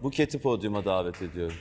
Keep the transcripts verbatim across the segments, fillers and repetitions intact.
Buket'i podyuma davet ediyorum.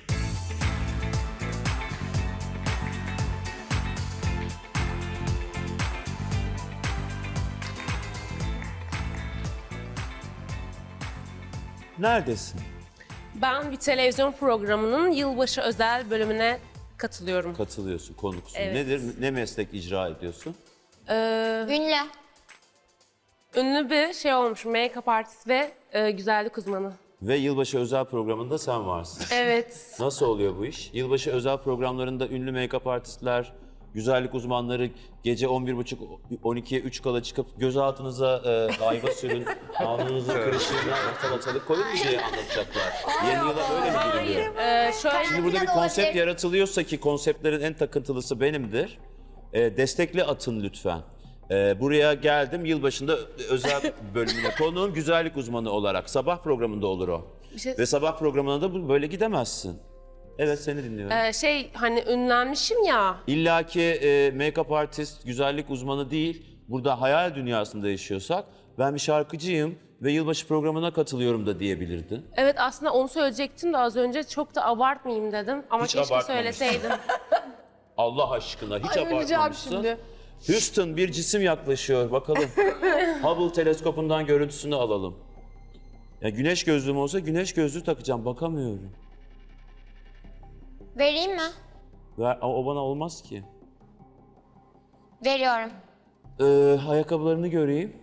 Neredesin? Ben bir televizyon programının yılbaşı özel bölümüne katılıyorum. Katılıyorsun, konuksun. Evet. Nedir? Ne meslek icra ediyorsun? Ee, Ünlü. ünlü bir şey olmuş, make-up artist ve e, güzellik uzmanı. Ve yılbaşı özel programında sen varsın. Evet. Nasıl oluyor bu iş? Yılbaşı özel programlarında ünlü make-up artistler, güzellik uzmanları gece on bir buçuk on ikiye üç kala çıkıp gözaltınıza e, ayva sürün, alnınızın kırışığına salatalık koyun mu diye anlatacaklar. Yeni yıla böyle mi giriliyor? Ee, şöyle Şimdi burada bir konsept yaratılıyorsa ki konseptlerin en takıntılısı benimdir. E, destekli atın lütfen. E, buraya geldim yılbaşında özel bölümüne konuğum güzellik uzmanı olarak. Sabah programında olur o. Bir şey- Ve sabah programına da bu- böyle gidemezsin. Evet seni dinliyorum. e, şey hani ünlenmişim ya. İlla ki e, make-up artist, güzellik uzmanı değil. Burada hayal dünyasında yaşıyorsak ben bir şarkıcıyım ve yılbaşı programına katılıyorum da diyebilirdin. Evet aslında onu söyleyecektim de az önce çok da abartmayayım dedim. Ama Hiç keşke abartmamışsın. söyleseydim. Allah aşkına hiç Ay, öleceğim abartmamışsın. şimdi. Houston bir cisim yaklaşıyor bakalım. Hubble teleskopundan görüntüsünü alalım. Ya güneş gözlüğüm olsa güneş gözlüğü takacağım bakamıyorum. Vereyim mi? Ver, ama o bana olmaz ki. Veriyorum. Ee, ayakkabılarını göreyim.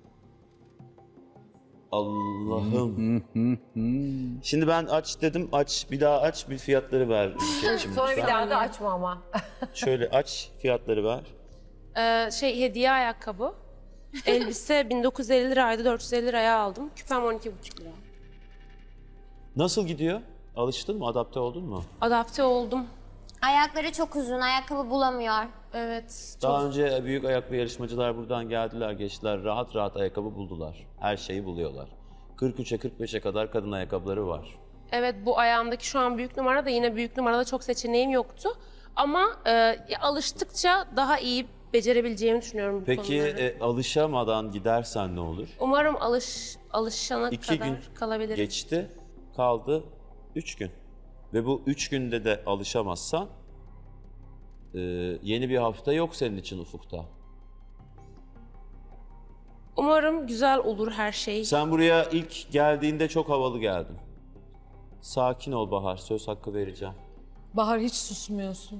Allah'ım. Şimdi ben aç dedim aç bir daha aç bir fiyatları ver. Şimdi Sonra bir lütfen. daha da açma ama. Şöyle aç fiyatları ver. Ee, şey hediye ayakkabı. Elbise bin dokuz yüz elli liraydı, dört yüz elli liraya aldım. Küpem on iki buçuk lira. Nasıl gidiyor? Alıştın mı? Adapte oldun mu? Adapte oldum. Ayakları çok uzun, ayakkabı bulamıyor. Evet. Daha önce büyük ayaklı yarışmacılar buradan geldiler, geçtiler. Rahat rahat ayakkabı buldular. Her şeyi buluyorlar. kırk üçe kırk beşe kadar kadın ayakkabıları var. Evet bu ayağımdaki şu an büyük numara da yine büyük numarada çok seçeneğim yoktu. Ama e, alıştıkça daha iyi becerebileceğimi düşünüyorum bu Peki konuları. e, alışamadan gidersen ne olur? Umarım alış alışana İki kadar gün kalabilirim. geçti, kaldı üç gün. Ve bu üç günde de alışamazsan e, yeni bir hafta yok senin için ufukta. Umarım güzel olur her şey. Sen buraya ilk geldiğinde çok havalı geldin. Sakin ol Bahar, söz hakkı vereceğim. Bahar hiç susmuyorsun.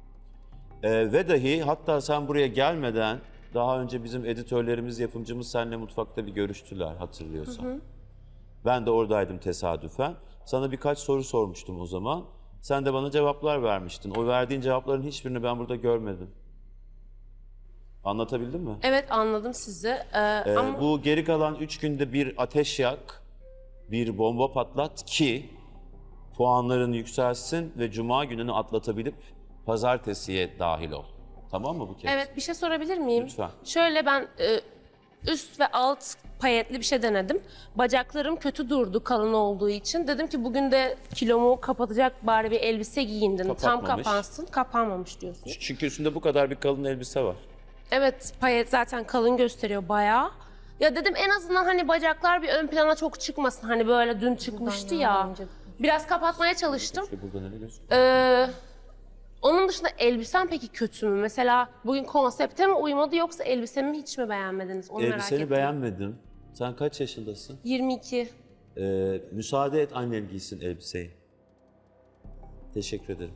Ee, ve dahi hatta sen buraya gelmeden daha önce bizim editörlerimiz, yapımcımız seninle mutfakta bir görüştüler hatırlıyorsan. Ben de oradaydım tesadüfen. Sana birkaç soru sormuştum o zaman. Sen de bana cevaplar vermiştin. O verdiğin cevapların hiçbirini ben burada görmedim. Anlatabildim mi? Evet anladım sizi. Ee, Ee, ama Bu geri kalan üç günde bir ateş yak, bir bomba patlat ki puanların yükselsin ve cuma gününü atlatabilip pazartesiye dahil ol. Tamam mı bu kez? evet bir şey sorabilir miyim? Lütfen. Şöyle ben e, üst ve alt payetli bir şey denedim. Bacaklarım kötü durdu kalın olduğu için. Dedim ki bugün de kilomu kapatacak bari bir elbise giyindim. Tam Kapatmamış. kapansın. Kapanmamış diyorsun. Çünkü üstünde bu kadar bir kalın elbise var. Evet payet zaten kalın gösteriyor bayağı. Ya dedim en azından hani bacaklar bir ön plana çok çıkmasın. Hani böyle dün çıkmıştı ya. Biraz kapatmaya çalıştım. İşte burada ne gözüküyor? Ee, onun dışında elbisem peki kötü mü? Mesela bugün konsepte mi uymadı yoksa elbisemi hiç mi beğenmediniz? Onu merak Elbiseni ettim. beğenmedim. Sen kaç yaşındasın? yirmi iki. Ee, müsaade et annen giysin elbiseyi. Teşekkür ederim.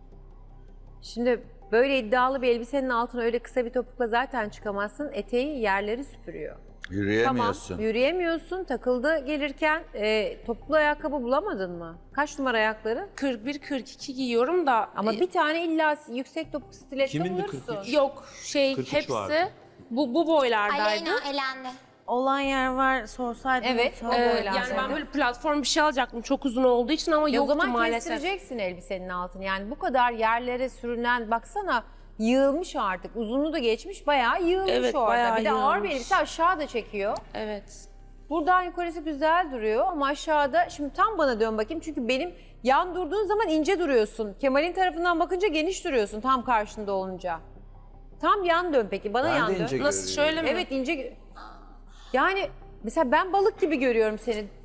Şimdi böyle iddialı bir elbisenin altına öyle kısa bir topukla zaten çıkamazsın. Eteği yerleri süpürüyor. Yürüyemiyorsun. Tamam, yürüyemiyorsun. Takıldı gelirken e, topuklu ayakkabı bulamadın mı? Kaç numara ayakları? kırk bir kırk iki giyiyorum da Ama e, bir tane illa yüksek topuk stiletto Kimindi bulursun. kırk üç? yok şey kırk üç hepsi vardı. bu bu boylardaydı. Aleyna elendi. Olan yer var sorsaydın. Evet, sor- o Ee, boylar yani ben zaten. böyle platform bir şey alacaktım çok uzun olduğu için ama E o yoktu zaman maalesef. kestireceksin elbisenin altını. Yani bu kadar yerlere sürünen baksana yığılmış artık. Uzunluğu da geçmiş bayağı yığılmış Evet, orada. bayağı Bir de ağır bir yığılmış. elbise aşağı da çekiyor. Evet. Buradan yukarısı güzel duruyor ama aşağıda şimdi tam bana dön bakayım çünkü benim yan durduğun zaman ince duruyorsun. Kemal'in tarafından bakınca geniş duruyorsun tam karşında olunca. Tam yan dön peki bana Ben yan de dön. ince Nasıl görüyorum. şöyle mi? Evet ince. Yani mesela ben balık gibi görüyorum seni.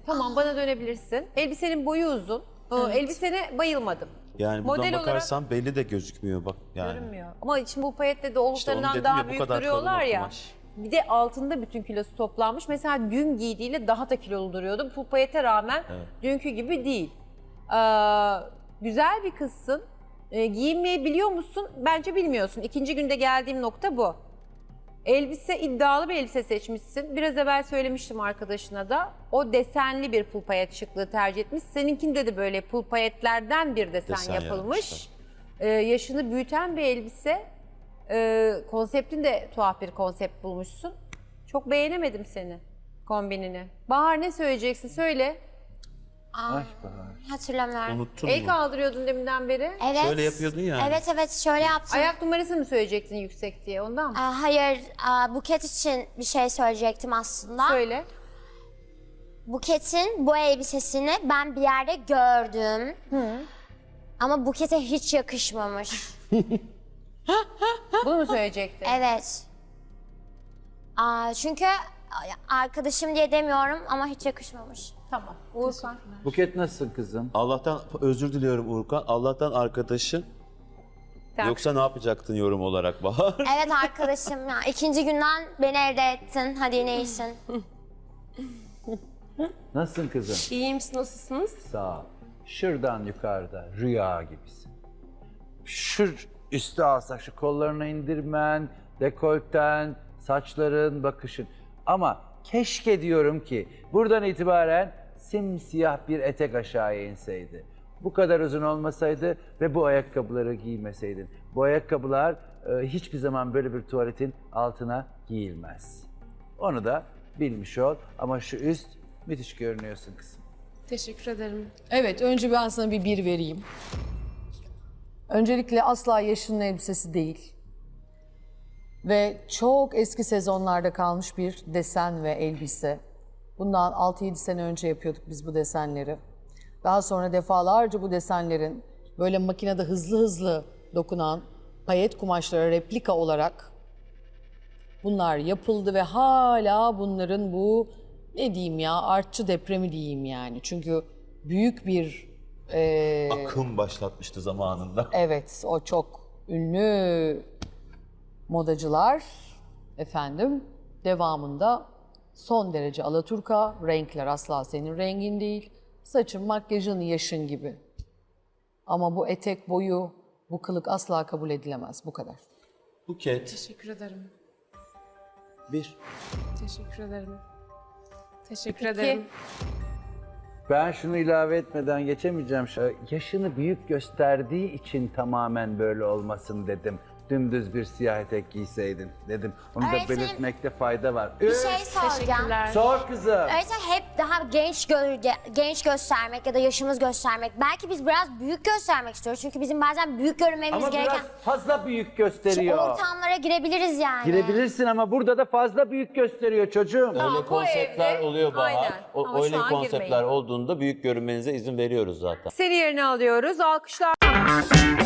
Tamam, bana dönebilirsin. Elbisenin boyu uzun. Ee, Elbisene bayılmadım. Yani buradan Model bakarsan belli de gözükmüyor bak yani. Görünmüyor. Ama şimdi bu payetle İşte onu olduklarından dedim daha ya, bu büyük kadar kalın duruyorlar o ya. kumaş. Bir de altında bütün kilosu toplanmış. Mesela dün giydiğiyle daha da kilolu duruyordu. Bu payete rağmen Evet. dünkü gibi değil. Ee, güzel bir kızsın. Ee, giyinmeyi biliyor musun? Bence bilmiyorsun. İkinci günde geldiğim nokta bu. Elbise, iddialı bir elbise seçmişsin. Biraz evvel söylemiştim arkadaşına da. O desenli bir pul payet şıklığı tercih etmiş. Seninkinde de böyle pul payetlerden bir desen, Desen yapılmış. yapmışlar. Ee, yaşını büyüten bir elbise. Ee, konseptin de tuhaf bir konsept bulmuşsun. Çok beğenemedim seni, kombinini. Bahar, ne söyleyeceksin? Söyle. Aa, hatırlamıyorum. Unuttun El mu? kaldırıyordun deminden beri. Evet. Şöyle yapıyordun yani. Evet evet şöyle yaptım. Ayak numarasını mı söyleyecektin yüksek diye, ondan mı? Aa, hayır, aa, Buket için bir şey söyleyecektim aslında. Söyle. Buket'in bu elbisesini ben bir yerde gördüm. Ama Buket'e hiç yakışmamış. Bunu mu söyleyecektin? Evet. Aa, çünkü arkadaşım diye demiyorum ama hiç yakışmamış. Tamam. Uğurkan. Buket nasılsın kızım? Allah'tan özür diliyorum Urkan. Allah'tan arkadaşın. Tak. Yoksa ne yapacaktın yorum olarak Bahar? Evet arkadaşım ya. İkinci günden beni elde ettin. Hadi yine iyisin. Nasılsın kızım? İyiyim, siz nasılsınız? Sağ ol. Şuradan yukarıda rüya gibisin. Şu üstü alsak, şu kollarını indirmen, dekolten, saçların, bakışın. Ama keşke diyorum ki buradan itibaren simsiyah bir etek aşağıya inseydi. Bu kadar uzun olmasaydı ve bu ayakkabıları giymeseydin. Bu ayakkabılar e, hiçbir zaman böyle bir tuvaletin altına giyilmez. Onu da bilmiş ol ama şu üst müthiş görünüyorsun kızım. Teşekkür ederim. Evet, önce ben sana bir bir vereyim. Öncelikle asla yaşının elbisesi değil. Ve çok eski sezonlarda kalmış bir desen ve elbise. Bundan altı yedi sene önce yapıyorduk biz bu desenleri. Daha sonra defalarca bu desenlerin böyle makinede hızlı hızlı dokunan payet kumaşlara replika olarak bunlar yapıldı ve hala bunların bu, ne diyeyim ya, artçı depremi diyeyim yani. Çünkü büyük bir e, Akım başlatmıştı zamanında. evet, o çok ünlü modacılar efendim devamında son derece alaturka, renkler asla senin rengin değil. Saçın, makyajın, yaşın gibi. Ama bu etek boyu, bu kılık asla kabul edilemez, bu kadar. Buket. Teşekkür ederim. Bir. Teşekkür ederim. Teşekkür ederim. Ben şunu ilave etmeden geçemeyeceğim. Şu- Yaşını büyük gösterdiği için tamamen böyle olmasın dedim. Dümdüz bir siyah etek giyseydin dedim. Onu da Öğretmenim, belirtmekte fayda var. Bir Üç. şey soracağım. Teşekkürler. Sor kızım. Öyleyse hep daha genç gö- genç göstermek ya da yaşımız göstermek. Belki biz biraz büyük göstermek istiyoruz. Çünkü bizim bazen büyük görünmemiz Ama gereken biraz fazla büyük şu gösteriyor. ortamlara girebiliriz yani. Girebilirsin ama burada da fazla büyük gösteriyor çocuğum. Öyle bu konseptler evde- oluyor Bahar. Aynen. O, Ama şu öyle an konseptler girmeyin. olduğunda büyük görünmenize izin veriyoruz zaten. Seni yerine alıyoruz. Alkışlar.